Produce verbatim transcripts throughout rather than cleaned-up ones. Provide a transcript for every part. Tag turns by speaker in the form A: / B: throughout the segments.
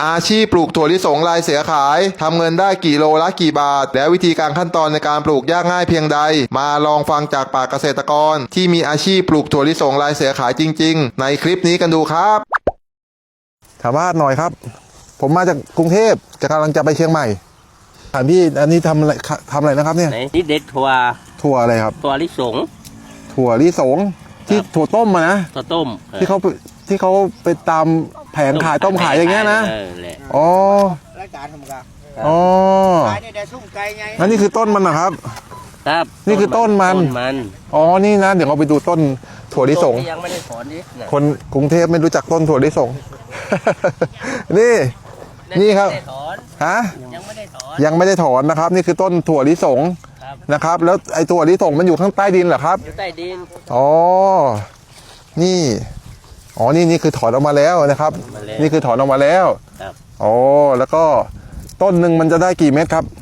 A: อาชีพปลูกถั่วลิสงลายเสือขายทำเงินได้กี่โลละกี่บาทและวิธีการขั้นตอนในการปลูกยากง่ายเพียงใดมาลองฟังจากปากเกษตรกรที่มีอาชีพปลูกถั่วลิสงลายเสือขายจริงๆในคลิปนี้กันดูครับถามว่าหน่อยครับผมมาจากกรุงเทพจะกำลังจะไปเชียงใหม่ถามพี่อันนี้ทำอะไรทำอะไรนะครับเนี่ย
B: นี่เด็ดถั่ว
A: ถั่วอะไรครับ
B: ถั่วลิสง
A: ถั่วลิสงที่ถั่วต้มมานะ
B: ถั่วต้ม
A: ที่เขาที่เขาไปตามแผงขายต้มขายอย่างเงี้ยนะอ๋อ
C: รายการทำกัน
A: อ๋อ
C: ขายในแต่สุ่มไก่ไง
A: นั่นนี่คือต้นมันนะครับ
B: ครับ
A: นี่คือต้นมันอ๋อนี่นะเดี๋ยวเราไปดูต้นถั่วลิสง
B: ยังไม่ได้ถอนนี่
A: คนกรุงเทพไม่รู้จักต้นถั่วลิสงนี่นี่ครับฮะ
B: ยังไม่ได้ถอน
A: ยังไม่ได้ถอนนะครับนี่คือต้นถั่วลิสงนะครับแล้วไอ้ถั่วลิสงมันอยู่ข้างใต้ดินเหรอครับ
B: อยู่ใต้ดิน
A: อ๋อนี่อ๋อนี่นี่คือถอนออกมาแล้วนะครับนี่คือถอนออกมาแล้ว
B: ครับ
A: อ๋อแล้วก็ต้นหนึ่งมันจะได้กี่เม็ดครับ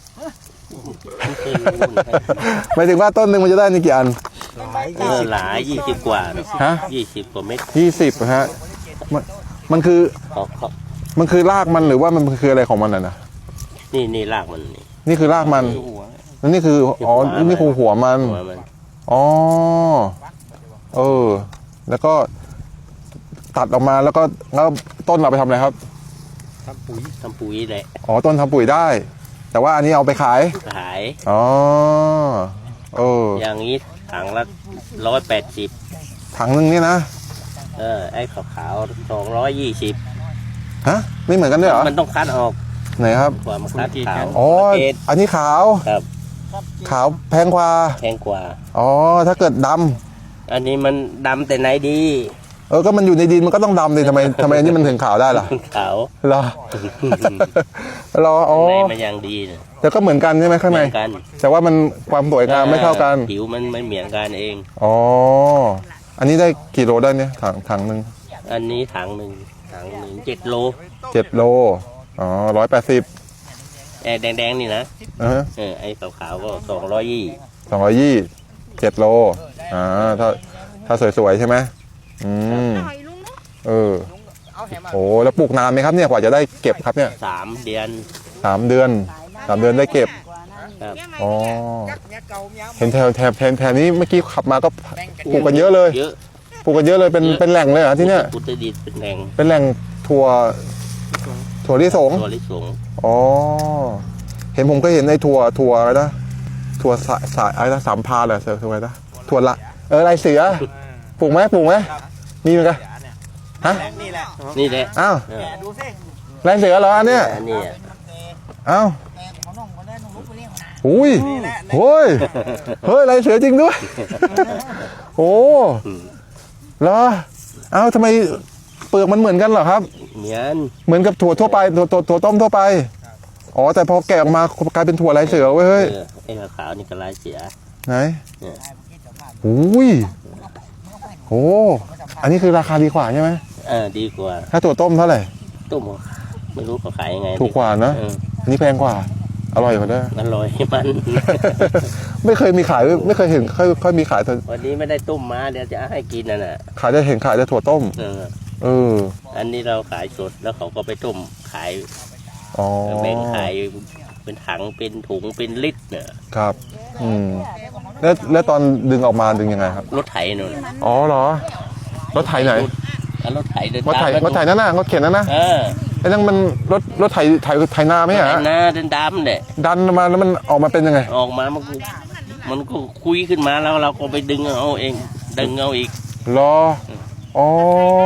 A: หมายถึงว่าต้นหนึ่งมันจะได้นี่กี่อัน
B: เออหลายยี่สิบกว่า
A: ฮะ
B: ยี่สิบกว่าเม็ด
A: ยี่สิบฮะมันมันคือมันคือรากมันหรือว่ามันคืออะไรของมันอ่ะนะ
B: นี่นี่รากมันนี่
A: นี่คือรากมันแล้วนี่คืออ๋อนี่คือหัวมันอ๋อเออแล้วก็ตัดออกมาแล้วก็แล้วต้นเราไปทำอะไรครับ
B: ทำปุ๋ยทำปุ๋ยแหละ
A: อ๋อต้นทำปุ๋ยได้แต่ว่าอันนี้เอาไปขาย
B: ขาย
A: อ๋อเออ
B: อย่างนี้ถังละร้อยแปดสิบ
A: ถังนึงนี่นะ
B: เออไอ้ขาวขาวสองร้อยยี่สิบ
A: ฮะไม่เหมือนกันด้วยเหรอ
B: มันต้องคัดออก
A: ไหนครับ
B: ความคัดขาว
A: อ๋ออันนี้ขาว
B: ครับ
A: ขาวแพงกว่า
B: แพงกว่า
A: อ๋อถ้าเกิดดำ
B: อันนี้มันดำแต่ไหนดี
A: เออก็มันอยู่ในดินมันก็ต้องดำเลยทำไมทำไมอันนี้มันถึงขาวได้ล่ะ
B: ขาว
A: เหรอเหรออ๋อ
B: มันยังดีนะ
A: แต่ก็เหมือนกันใช่ไหมข้างในแต่ว่ามันความสวยงามไม่เท่ากัน
B: ผิวมันไม่เหมือนกันเอง
A: อ๋ออันนี้ได้กี่โลได้เนี่ยถังถังหนึ่ง
B: อันนี้ถังหนึ่งถังหนึ่งเจ็ดโล
A: เจ็ดโลอ๋อร้อยแปดสิบ
B: แอร์แดงๆนี่นะเออไอ้ขาวๆก็สองร้อยยี่
A: สองร้อยยี่เจ็ดโลอ่าถ้าถ้าสวยๆใช่ไหมอืมเออโอ้แล้วปลูกนานไหมครับเนี่ยกว่าจะได้เก็บครับเนี่ย
B: สามเดือน
A: สามเดือนสามเดือนได้เก็บอ๋อเห็นแถวแถบแถบแถวนี้เมื่อกี้ขับมาก็ปลูกกันเยอะเลยปลูกกันเยอะเลยเป็นเป็นแหล่งเลยเหรอที่เนี่ย
B: อุตรดิตถ์เป็นแหล่ง
A: เป็นแหล่งถั่วถั่วลิสง
B: ถั่วลิสง
A: อ๋อเห็นผมก็เห็นในถั่วถั่วอะไรนะถั่วสายสายอะไรนะสามพาเหรอเสือถั่วอะไรนะถั่วละเออลายเสือปลูกไหมปลูกไหมมีไหมกันฮะ
B: นี่แหละนี่แหละ
A: อ้าวลายเสือเหรออันเนี้ย
B: นี่
A: อ้าวอุ้ยโอ้ยเฮ้ยลายเสือจริงด้วยโอ้เหรอเอ้าทำไมเปลือกมันเหมือนกันเหรอครับ
B: เหมือน
A: เหมือนกับถั่วทั่วไปถั่วถั่วต้มทั่วไปอ๋อแต่พอแกะออกมากลายเป็นถั่วลายเสือเว้ยเฮ้ย
B: ไอ้ขาวนี่ก็ลายเสือ
A: ไหนอุ้ยโอ้อันนี้คือราคาดีกว่าใช่ไหม
B: เออดีกว่า
A: ถ้าถั่วต้มเท่าไหร่
B: ต้มไม่รู้เขาขายยังไง
A: ถูกกว่านะอันนี้แพงกว่าอร่อยกว่าด้วย
B: อร่อยมัน
A: ไม่เคยมีขายไม่เคยเห็นค่อยค่อยมีขาย
B: วันนี้ไม่ได้ต้มมาเดี๋ยวจะให้กินน่ะนะ
A: ขายได้เห็นขายได้ถั่วต้มเออเออ
B: อันนี้เราขายสดแล้วเขาก็ไปต้มขาย
A: อ๋อ
B: แบ่งขายเป็นถังเป็นถุงเป็นลิตรเนี่ย
A: ครับอืมแล้วแล้วตอนดึงออกมาดึงยังไงครับ
B: รถไถนู่น
A: อ๋อเหรอรถไถไหน
B: รถไถเดิน
A: รถไถรถไถนั่นน่ะรถเข็นนั่นนะ
B: เออ
A: ไอ้นั่นมันรถรถไถไถไถนาไหมฮะ
B: นาเดินดำเนี่ย
A: ดันมาแล้วมันออกมาเป็นยังไง
B: ออกมามันมันก็คุยขึ้นมาแล้วเราก็ไปดึงเอาเองดึงเอาอีก
A: รออ๋อ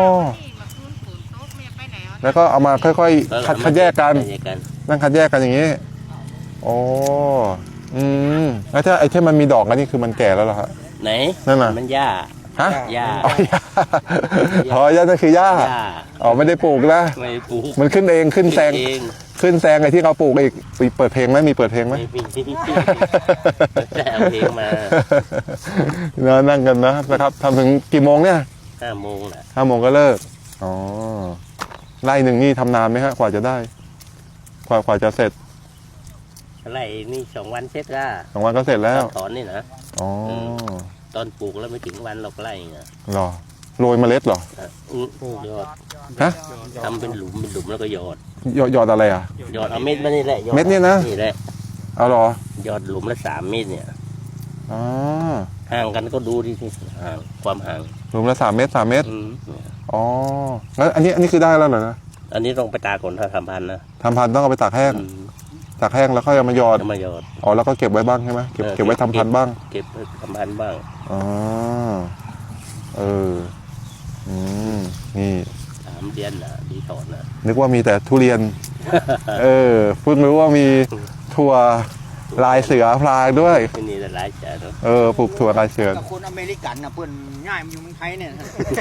A: แล้วก็เอามาค่อยๆคัดคัดแยกกันนั่งคัดแยกกันอย่างนี้อ๋ออืมแล้วถ้าไอ้ที่มันมีดอกอันนี้คือมันแก่แล้วเหรอครับ
B: ไหน
A: นั่นน่ะ
B: มันหญ้า
A: ฮะ
B: หญ้า
A: อ๋อหญ้าอ๋อหญ้านั่นคือหญ้าอ๋อไม่ได้ปลูกนะ
B: ไม่ปลูก
A: มันขึ้นเองขึ้นแซงขึ้นแซงไอ้ที่เขาปลูกอีกมีเปิดเพลงไหมมีเปิดเพลงไหม
B: แต่เอาเพลงมา
A: เนาะนั่งกันนะนะครับทำถึงกี่โมงเนี่ย
B: ห้าโมงแหละ
A: ห้าโมงก็เลิกอ๋อไร่หนึ่งนี่ทำนานไหมฮะกว่าจะได้กว่ากว่าจะเสร็จ
B: ไร่นี่สองวันเสร็จก็
A: สองวันก็เสร็จแล้ว
B: ถอนนี่นะ
A: อ๋อ
B: ตอนปลูกแล้วไม่ถึงวันหรอกไร่เงี้ย
A: หรอ
D: โรยเมล็ดเหรอ
B: อ่ะอื้อยอด
D: ฮะ
B: ทำเป็นหลุมเป็นหลุมแล้วก็หยอด
D: หยอดหยอดอะไรอ่ะ
B: หยอดเอาเม็ดมานี่แหละหอ
D: เม็ดเนี่ยนะ
B: นี่แหละ
D: เอาเหรอ
B: หยอดหลุมละสามเม็ดเนี่ย
D: อ๋อ
B: ห่างกันก็ดูที่ที่ห่างความห่าง
D: รวมละสามเม็ดสามเม็ด
B: อืม
D: อ๋อแล้วอันนี้อันนี้คือได้แล้วเหรอนะ
B: อันนี้ต้องไปตากก่อนถ้าทำพันธุ์นะ
D: ทำพันธุ์ต้องเอาไปตากแห้ง
B: อืม
D: ตากแห้งแล้วค่อยเอามาหยอด
B: จะมาหยอด
D: อ๋อแล้วก็เก็บไว้บ้างใช่ไหมเก็บ
B: เออ
D: เก็บไว้ทำพันธุ์บ้าง
B: เก็บไว้ทำพันธุ์บ้าง
D: อ๋อเอออืมนี่
B: สามเดือนนะดีถอนนะ
D: นึกว่ามีแต่ทุเรียน เออเพิ่งรู้ว่ามีถั่วลายเสือพลายด้วย
B: ที่นี่หลายจานเนอะ
D: เออปลูกถั่วลายเสือ
C: กับคนอเมริกันนะเพื่อนง่ายมันอยู่เมืองไทยเนี่ย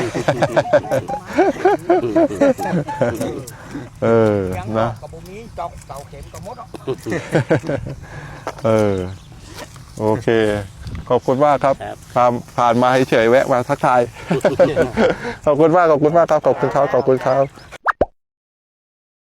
D: เออ
C: ยัง
D: นะ
C: กับบุมีจอกเสาเข็มกับมดอ่ะ
D: เออโอเค ขอบคุณมากครับ
B: ครับ
D: ผ่านผ่านมาเฉยๆแวะมาทักทาย ขอบคุณมากขอบคุณมากครับขอบคุณครับขอบคุณครับ